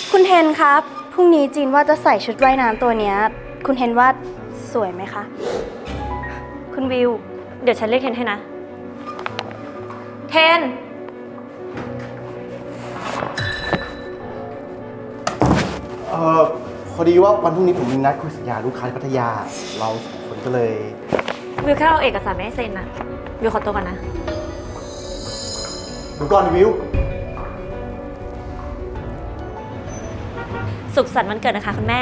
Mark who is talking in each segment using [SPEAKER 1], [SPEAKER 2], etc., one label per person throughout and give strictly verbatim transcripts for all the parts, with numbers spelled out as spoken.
[SPEAKER 1] คุณเทนครับพรุ่งนี้จีนว่าจะใส่ชุดว่ายน้ำตัวเนี้ยคุณเทนว่าสวยไหมคะคุณวิวเดี๋ยวฉันเรียกเทนให้นะเทน
[SPEAKER 2] เอ่อพอดีว่าวันพรุ่งนี้ผมมีนัดคุยสัญญาลูกค้าที่พัทยาเราสองคนก็เลย
[SPEAKER 1] วิวแค่เอาเอกสารไม่ให้เซ็นนะวิวขอตัวก่อนนะ
[SPEAKER 2] เดี๋ยวก่อนวิว
[SPEAKER 1] สุขสันต์วันเกิดนะคะคุณแม่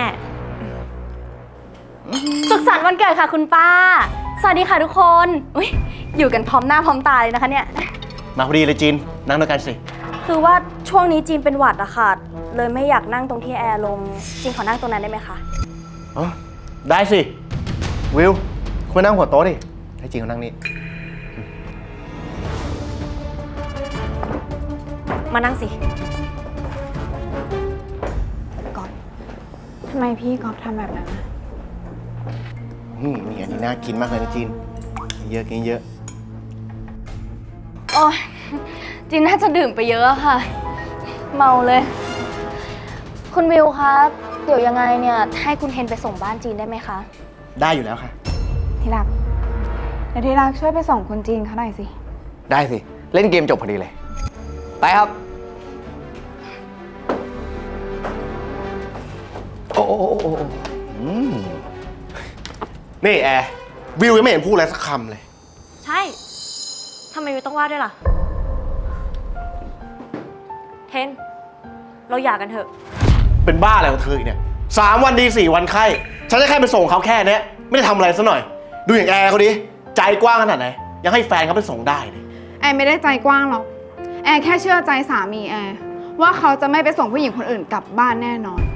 [SPEAKER 1] สุขสันต์วันเกิดค่ะคุณป้าสวัสดีค่ะทุกคนอุ๊ยอยู่กันพร้อมหน้าพร้อมตาเลยนะคะเนี่ย
[SPEAKER 2] มาพอดีเลยจีนนั่งด้วยกันสิ
[SPEAKER 1] คือว่าช่วงนี้จีนเป็นหวัดอะค่ะเลยไม่อยากนั่งตรงที่แอร์ลงจีนขอนั่งตรงนั้นได้ไหมคะ
[SPEAKER 2] อ๋อได้สิวิวคุณนั่งหัวโต๊ะดิให้จีนเขานั่งนี่
[SPEAKER 1] มานั่งสิ
[SPEAKER 3] ก๊อฟทำไมพี่ก๊อฟทำแบบนั้นนะ
[SPEAKER 2] อืมนี่อันนี้น่ากินมากเลยนะจีนกินเยอะกินเยอะ
[SPEAKER 1] โอ้ยจีนน่าจะดื่มไปเยอะค่ะเมาเลยคุณวิวครับเดี๋ยวยังไงเนี่ยให้คุณเทนไปส่งบ้านจีนได้ไหมคะ
[SPEAKER 2] ได้อยู่แล้วค่ะ
[SPEAKER 3] ที่รักเดี๋ยวที่รักช่วยไปส่งคนจีนเขาหน่อยสิ
[SPEAKER 4] ได้สิเล่นเกมจบพอดีเลยไปครับโอ้โอ้โอ้โอ้อืม
[SPEAKER 2] นี่แอร์วิวยังไม่เห็นพูดอะไรสักคำเลย
[SPEAKER 1] ใช่ทำไมวิวต้องว่าด้วยล่ะเทนเราหย่ากันเถอะ
[SPEAKER 2] เป็นบ้าอะไรของเธอเนี่ยสามวันดีสี่วันไข้ฉันจะแค่ไปส่งเขาแค่นี้ไม่ได้ทำอะไรซะหน่อยดูอย่างแอร์เขาดิใจกว้างขนาดไหนยังให้แฟนเขาไปส่งได้เลย
[SPEAKER 3] แอร์ไม่ได้ใจกว้างหรอกแอร์แค่เชื่อใจสามีแอร์ว่าเขาจะไม่ไปส่งผู้หญิงคนอื่นกลับบ้านแน่นอน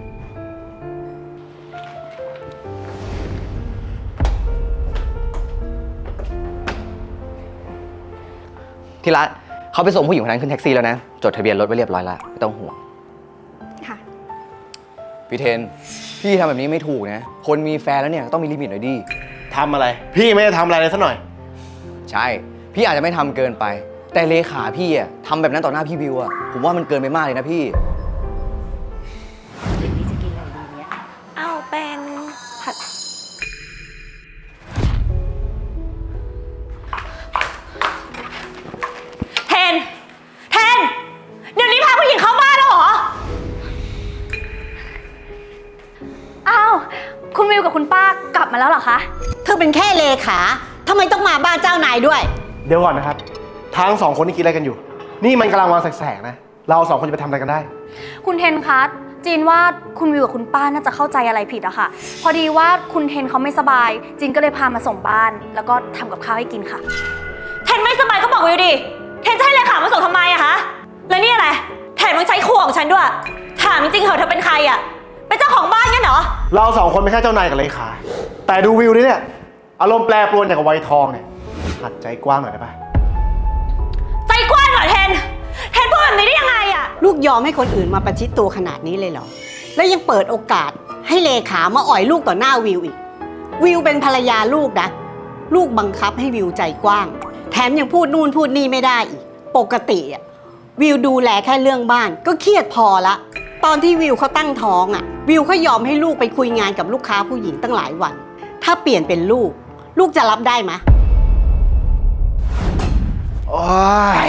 [SPEAKER 4] ที่รักเขาไปส่งผู้หญิงคนนั้นขึ้นแท็กซี่แล้วนะจดทะเบียนรถไว้เรียบร้อยแล้วไม่ต้องห่วง
[SPEAKER 3] ค่ะ
[SPEAKER 4] พี่เทนพี่ทำแบบนี้ไม่ถูกนะคนมีแฟนแล้วเนี่ยต้องมีลิมิตหน่อยดิ
[SPEAKER 2] ทำอะไรพี่ไม่ได้ทำอะไรเลยสักหน่อย
[SPEAKER 4] ใช่พี่อาจจะไม่ทำเกินไปแต่เลขาพี่อะทำแบบนั้นต่อหน้าพี่วิวอะผมว่ามันเกินไปมากเลยนะพี่
[SPEAKER 1] เดี๋ยวนี้จะกินอะไรดีเนี่ยเอาเป็นผัดเทนเทนเดี๋ยวนี้พาผู้หญิงเข้าบ้านแล้วเหรออ้าวคุณวิวกับคุณป้ากลับมาแล้วเหรอคะ
[SPEAKER 5] เธอเป็นแค่เลขาทำไมต้องมาบ้านเจ้านายด้วย
[SPEAKER 2] เดี๋ยวก่อนนะครับทั้งสองคนนี่คิดอะไรกันอยู่นี่มันกำลังวางแสกๆนะเราสองคนจะไปทำอะไรกันได้
[SPEAKER 1] คุณเทนคะจีนว่าคุณวิวกับคุณป้าน่าจะเข้าใจอะไรผิดอะค่ะพอดีว่าคุณเทนเขาไม่สบายจีนก็เลยพามาส่งบ้านแล้วก็ทำกับข้าวให้กินค่ะเทนไม่สบายก็บอกวิวดิเทนจะให้เลขามาส่งทำไมอะคะแล้วนี่อะไรแถมยังใช้ครัวของฉันด้วยถามจริงๆเหรอเธอเป็นใครอะเป็นเจ้าของบ้านงั้นเหรอ
[SPEAKER 2] เราสองคนไม่ใช่เจ้านายกับเลขาแต่ดูวิวนี่เนี่ยอารมณ์แปรปรวนอย่างกับวัยทองเนี่ยหัดใจกว้างหน่อยได้ปะ
[SPEAKER 1] ใจกว้างเหรอเทนเทนพูดแบบนี้ได้ยังไงอะ
[SPEAKER 5] ลูกยอมให้คนอื่นมาประชิดตัวขนาดนี้เลยเหรอแล้วยังเปิดโอกาสให้เลขามาอ่อยลูกต่อหน้าวิวอีกวิวเป็นภรรยาลูกนะลูกบังคับให้วิวใจกว้างแถมยังพูดนู่นพูดนี่ไม่ได้อีกปกติอะวิวดูแลแค่เรื่องบ้านก็เครียดพอละตอนที่วิวเขาตั้งท้องอะวิวเขายอมให้ลูกไปคุยงานกับลูกค้าผู้หญิงตั้งหลายวันถ้าเปลี่ยนเป็นลูกลูกจะรับได้ไหม
[SPEAKER 2] โอ้ย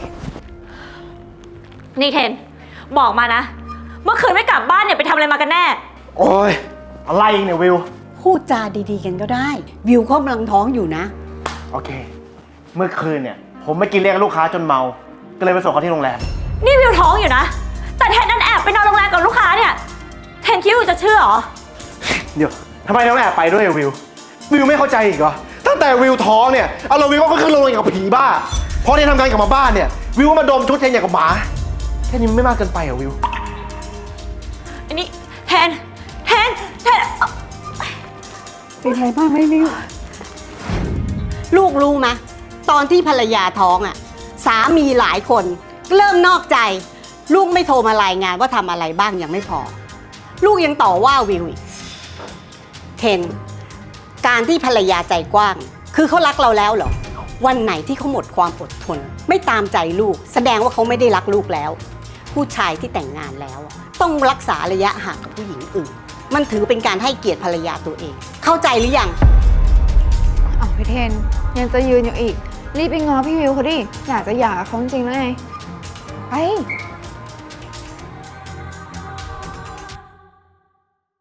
[SPEAKER 1] นี่เทนบอกมานะเมื่อคืนไม่กลับบ้านเนี่ยไปทำอะไรมากันแน่
[SPEAKER 2] โอ้ยอะไรเนี่ยวิว
[SPEAKER 5] พูดจาดีๆกันก็ได้วิวเขากำลังท้องอยู่นะ
[SPEAKER 2] โอเคเมื่อคืนเนี่ยผมไปกินเลี้ยงลูกค้าจนเมาก็เลยไปส่งเขาที่โรงแรม
[SPEAKER 1] นี่วิวท้องอยู่นะแต่เทนนั่นแอบไปนอนโรงแรมกับลูกค้าเนี่ยเทนคิดว่าจะเชื่อเหรอ
[SPEAKER 2] เดี๋ยวทำไมต้องแอบไปด้วยวิววิวไม่เข้าใจอีกเหรอตั้งแต่วิวท้องเนี่ยเอาเราวิวก็ขึ้นลงอย่างกับผีบ้าพอเทนทำงานกลับมาบ้านเนี่ยวิวก็มาดมชุดเทนอย่างกับหมาแค่นี้ไม่มากเกินไปเหรอวิว
[SPEAKER 1] อันนี้แทนแทนแทน
[SPEAKER 3] เป็นไรบ้างไหมวิว
[SPEAKER 5] ลูกรู้ไหมตอนที่ภรรยาท้องอ่ะสามีหลายคนเริ่มนอกใจลูกไม่โทรมารายงานว่าทำอะไรบ้างยังไม่พอลูกยังต่อว่าวิวอีกเทนการที่ภรรยาใจกว้างคือเขารักเราแล้วเหรอวันไหนที่เขาหมดความอดทนไม่ตามใจลูกแสดงว่าเขาไม่ได้รักลูกแล้วผู้ชายที่แต่งงานแล้วอะต้องรักษาระยะห่างกับผู้หญิงอื่น มันถือเป็นการให้เกียรติภรรยาตัวเอง เข้าใจหรือยัง
[SPEAKER 3] อ้าวพี่เทนยังจะยืนอยู่อีก รีบไปง้อพี่วิวเขาดิ อยากจะหย่ากับเขาจริงๆแล้วไง ไป